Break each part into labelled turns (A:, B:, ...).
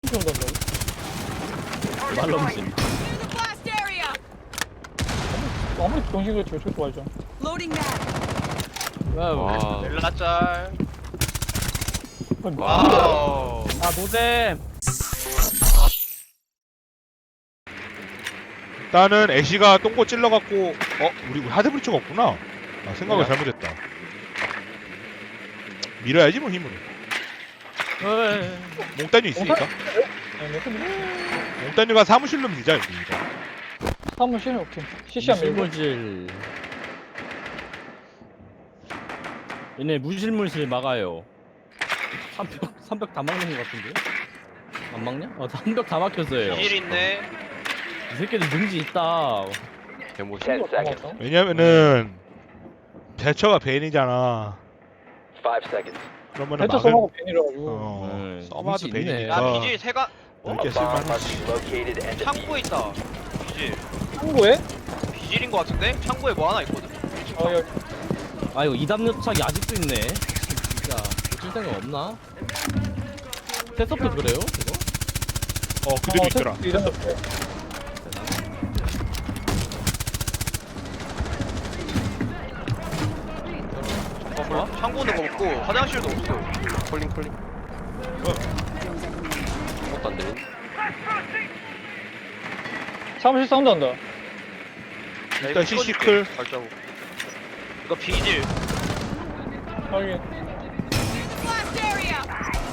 A: 이렇게 온단다고?
B: 말럼신.
A: 아무리 정신 그렇지 왜 저렇게 말죠?
C: Loading mag.
B: 와.
D: 렐라짤.
A: 아니, 뭐.
D: 와우.
B: 아 노잼.
E: 일단은 애쉬가 똥꼬 찔러갖고 우리 하드브리처가 없구나. 아 생각을
B: 뭐야?
E: 잘못했다. 밀어야지 뭐 힘으로. 몽따뉴 있으니까. 몽따뉴가 사무실로 밀자 여기 이거.
A: 사무실 오케이. CC한 밀고.
B: 무실물실. 얘네 무실물실 막아요. 3벽 다 막는 것 같은데? 안 막냐? 3벽 다 막혔어요.
D: 길 있네.
B: 이 새끼들 능지 있다.
F: 개모시.
E: 왜냐면은 대처가 베인이잖아.
F: 5 seconds.
E: 그러면은
A: 대처
E: 막을
A: 써하고 벤이라가지고.
B: 네,
E: 써봐도
B: 능지 있네.
E: 베인이니까.
D: 야 비질 세가
E: 넓게
F: A bomb
E: 쓸만.
F: must be located and
D: 창고에
F: defused.
D: 있다. 비질.
A: 창고에?
D: 비질인 것 같은데? 창고에 뭐 하나 있거든.
A: 여기.
B: 아 이거 이담요착이 아직도 있네. 진짜 고칠 생각 없나? 테스업도 그래요? 이거?
E: 그대로 있더라.
A: 이런 거.
D: 잠깐만. 창고는 없고 화장실도 없어.
F: 콜링. 아무것도 안 들린.
A: 사무실 사운드 한다.
D: 야,
E: 일단
D: 이거
E: CC
D: 찍어줄게.
E: 클.
D: 발자국. 이거 비질.
A: 여기.
C: Blast area.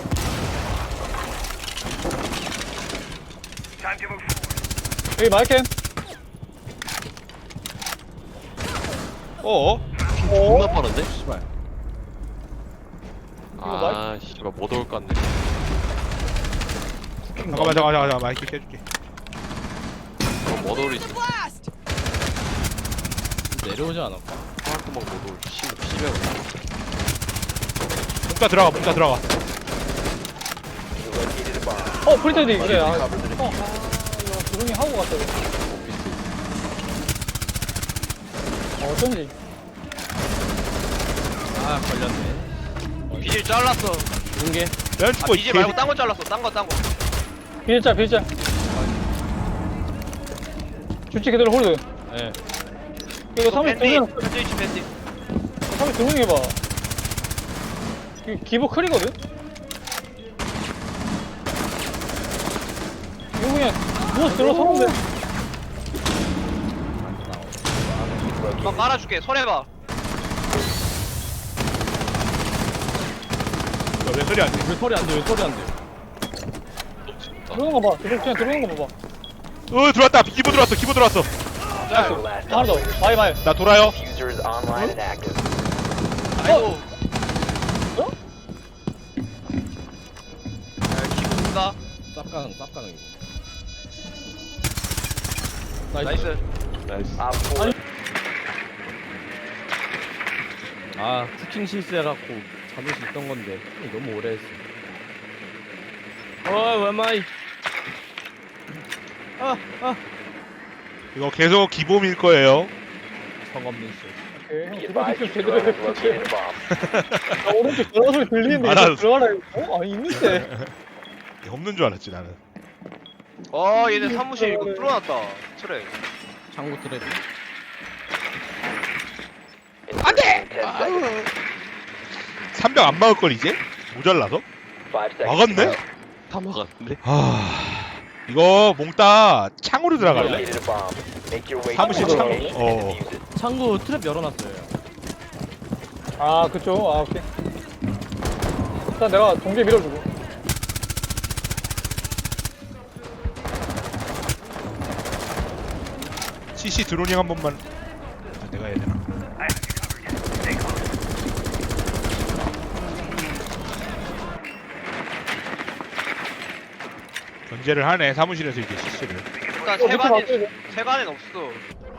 A: 여기 마이캠.
E: 어?
F: 존나 빠른데?
B: 씨발.
F: 아, 씨발 못 올 것 같네.
E: 잠깐만 마이크 켜줄게.
F: 못 올 있어.
C: Blast.
B: 내려오지 않았까?
F: 하나도 못 올. 심해.
E: 몽따 들어가.
F: You located a bomb.
A: 프리테드 그래. 아,
F: Cover the
A: 이거 조용히 하고 갔다. 어쩐지.
B: 아 걸렸네.
D: 비질 잘랐어.
B: 좋은 게.
E: 면
D: 아
E: 죽고
D: 비질 말고 딴 거 잘랐어. 딴 거.
A: 빌자. 주치 그대로 홀드.
B: 예.
A: 이거 사무실
D: 밴디.
A: 들면
D: 밴디.
A: 사무실 들면 해봐. 이거 기보 클이거든? 이거 그냥 누워서 들어서면 돼.
D: 나 깔아줄게. 손해봐.
E: 왜 소리 안 돼?
B: 왜 소리 안 돼? 왜 소리 안 돼?
A: 들어오는 거 봐. 그냥 들어오는 거 봐봐.
E: 들어왔다. 기보 들어왔어.
F: Four last
A: 하나 더. 마이.
E: 나 돌아요.
F: diffuser is online and active.
D: 아이고.
A: 어?
D: 야 기분가.
B: 쌉가능 이거.
D: 나이스.
F: Op 4
B: 아 쿠킹 실수해갖고 잡을 수 있던 건데 너무 오래 했어. 웬마이.
E: 이거 계속 기보밀 거예요.
B: 성없는 씨.
A: 오케이. 형
F: be
A: 들어가
F: advised
A: 좀
F: your
A: 제대로
F: drone has
A: 해볼게.
F: located a bomb.
A: 나 오른쪽 전화 소리 들리는데
E: 알았어.
A: 이거 들어가라 이거? 아니 있는데.
E: 없는 줄 알았지 나는.
D: 얘네 사무실 이거 뚫어놨다. 트레.
B: 창고 트랩이.
F: 안돼. 10 seconds.
E: 300 안 막을 걸 이제? 모자라서?
F: 5 seconds.
E: 막았네?
F: 다 막았는데.
E: 이거 몽따 창으로 들어갈래?
F: Located a bomb. Make your way
E: 사무실
F: to the
E: 창-
F: location
E: 어.
F: and defuse it.
B: 창고 트랩 열어놨어요.
A: 아 그쪽. 아 오케이. 일단 내가 동계 밀어주고.
E: CC 드로닝 한 번만. 내가 해야 되나? 견제를 하네 사무실에서 이제 CC를.
D: 일단
A: 밑에 맞춰야
D: 세간엔 없어.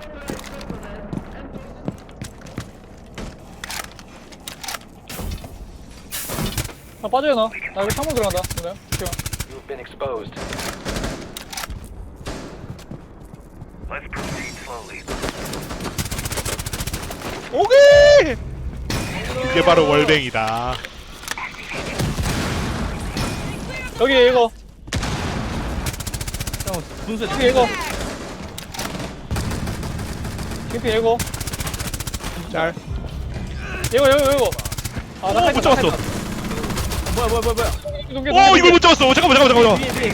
A: 빠져야 나. 나 이거 창문 들어간다. 그래. 오케이.
F: You have been exposed.
E: 오케이. 이게 바로 월뱅이다.
A: 여기 이거.
B: 형 분수에
A: 캠피 예고. 캠피 예고.
E: 짤.
A: 예고. 아, 나
E: 못 잡았어.
B: 뭐야.
E: 오 이걸 못 잡았어. 잠깐만.
B: 위에.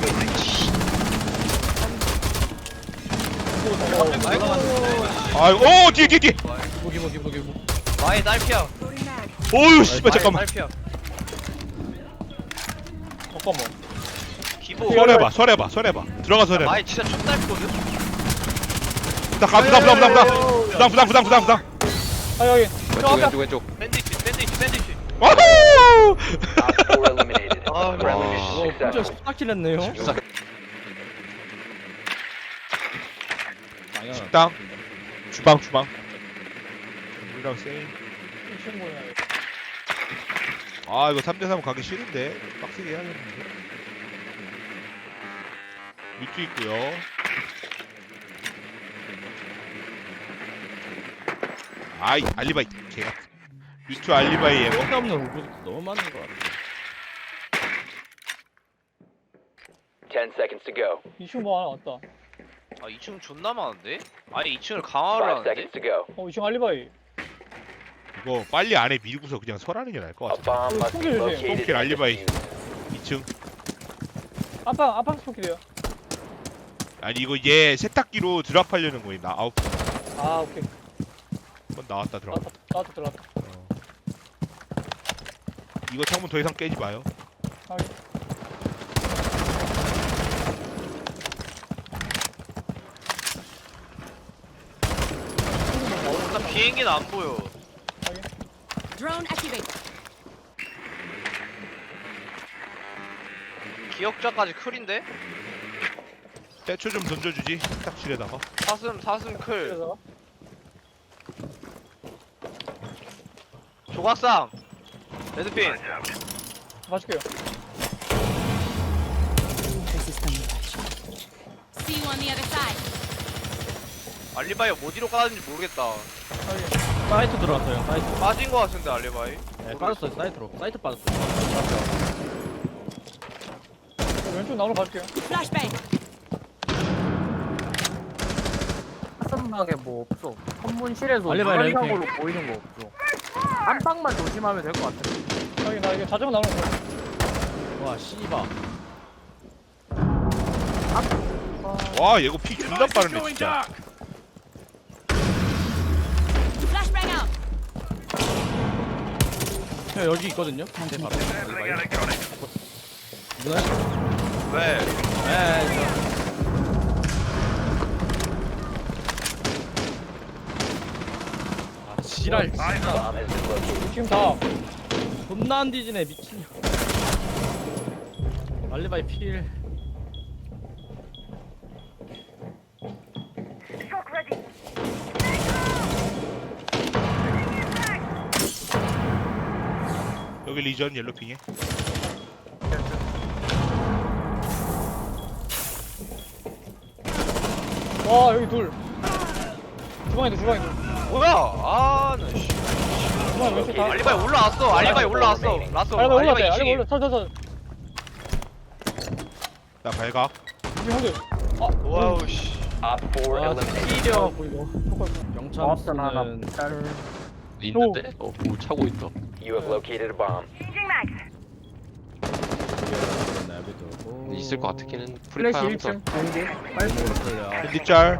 E: 아이고 뒤에.
B: 보기.
D: 마이 딸피야.
E: 오유 씨발 잠깐만.
D: 딸피야.
A: 잠깐만.
D: 기보.
E: 설해봐. 들어가 설해봐.
D: 마이 진짜 첫 딸피거든.
E: 부당.
A: 아, 여기. 저 앞에.
F: 왼쪽.
D: 밴디지.
E: 와우.
F: Op 4 eliminated.
D: 아,
F: Friendly mission
B: 진짜
F: successful.
B: 14킬 했네요.
E: 식당. 주방. 우리랑 세임.
A: 친구야.
E: 아 이거 3대3 가기 싫은데 빡세게 해야겠는데. 뮤트 있고요. 아이 알리바이 개가. 뮤트 알리바이 예고.
B: 쓸데없는 오브젝트 너무 많은 것 같아.
F: 10 seconds to go.
A: 이 친구 뭐 하나 왔다.
D: 아 2층 존나 많은데? 아니 2층을 강화를
F: 5
D: 하는데?
F: seconds to go.
A: 이 친구 알리바이.
E: 이거 빨리 안에 밀고서 그냥 설하는 게 나을 것
F: A
E: 같아.
F: bomb must be
A: Smoke
F: located
E: Smoke
F: and
E: 알리바이.
F: defused.
E: 2층.
A: 아빠 스포키래요.
E: 아니 이거 얘 세탁기로 드랍하려는 거임. 나 아웃.
A: 아, 오케이.
E: 한번 나왔다 들어가.
A: 나도 들어갔다.
E: 이거 창문 더 이상 깨지 마요.
A: 확인.
D: 일단 비행기는 안 보여.
C: Drone activate.
D: 기억자까지 클인데?
E: 대초 좀 던져주지. 세탁실에다가.
D: 사슴 클.
A: 그래서
D: 조각상. 레드핀.
A: 봐줄게요.
C: See you on the other side.
D: 알리바이 어디로 까는지 모르겠다.
A: 확인.
B: 사이트 들어왔어요. 사이트.
D: 빠진 거 같은데 알리바이.
B: 네, 빠졌어요. 사이트로. 사이트 빠졌어요.
A: 왼쪽 나무로 봐줄게요.
C: Flashbang.
G: 화성막에 뭐 없어. 검문실에서
B: 알리바이
G: 무관상으로 보이는 거 없어. 안방만 조심하면 될 것 같아.
A: 확인. 나 이거 자전거 나오는 거.
B: 와 씨바.
E: 와 얘거 피 존나 빠르네 진짜.
C: Flashbang out.
B: 형 여기 있거든요. 제 바로. 누나?
D: 왜?
B: 네. 아 지랄. 진짜.
F: Bomb has been located.
A: 지금 다.
B: 존나 안 뒤지네 미친. 알리바이 필.
E: 여기 리전 옐로핑에.
A: 와, 여기 둘. 주방에 둘.
D: 뭐야? 아, 나 씨.
A: 주방에 왼쪽 다.
D: 알리바이 올라왔어. 알리바이 올라왔어. 라쏘.
A: 알리바이 올라왔대.
D: 알리바이
A: 알리바이
D: 2층에.
A: 올라. 서.
E: 나 발각.
A: 지금 형들.
D: 와우 씨.
F: Op 4
B: 아
F: eliminated.
B: 찌려갖고 이거.
G: 고맙다 나나.
B: 영참스는
H: 있는데? 뭐 차고 있어.
F: You have located a bomb.
H: 있을 것 같기는
G: 플래시
H: 프리파이 하면서
G: 1층 공개.
E: 핸디 짤.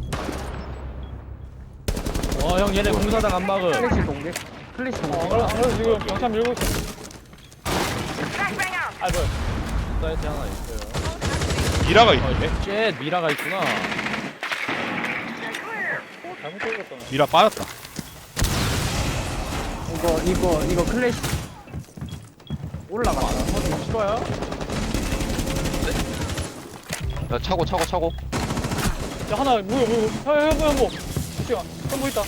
B: 형 얘네 공사장 안 막음.
G: 플래시 공개. 플래시 공개.
A: 안 그래도 지금 경찰 밀고 있어. 아, 뭐야.
B: 사이트 하나 있어요.
E: 미라가 있는데.
B: 쉣 미라가 있구나.
A: 잘못 들었다.
E: 미라 빠졌다.
G: 이거 클래시 올라가.
B: 싫어요?
H: 야 차고
A: 야, 하나, 뭐야. 형. 잠시만. 형 있다.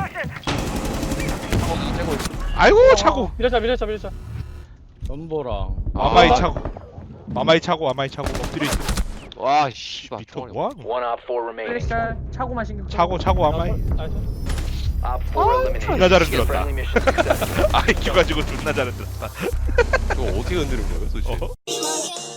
H: 차고 있어.
E: 아이고 차고.
A: 밀자.
B: 전보랑.
E: 마마이 차고. 마마이 차고. 엎드려 있어.
H: 와 씨발
E: 미터
H: 총알이
E: 뭐하노?
F: One Op 4 remaining.
G: 플래시 차고만 신경 써.
E: 차고 마마이.
A: 나이스.
F: Op 4 eliminated.
E: 존나 잘 흔들었다.
F: Friendly mission successful.
E: 아이큐 가지고 존나 잘 흔들었다.
H: 이거 어떻게 흔드는 거야 도대체?
E: 어?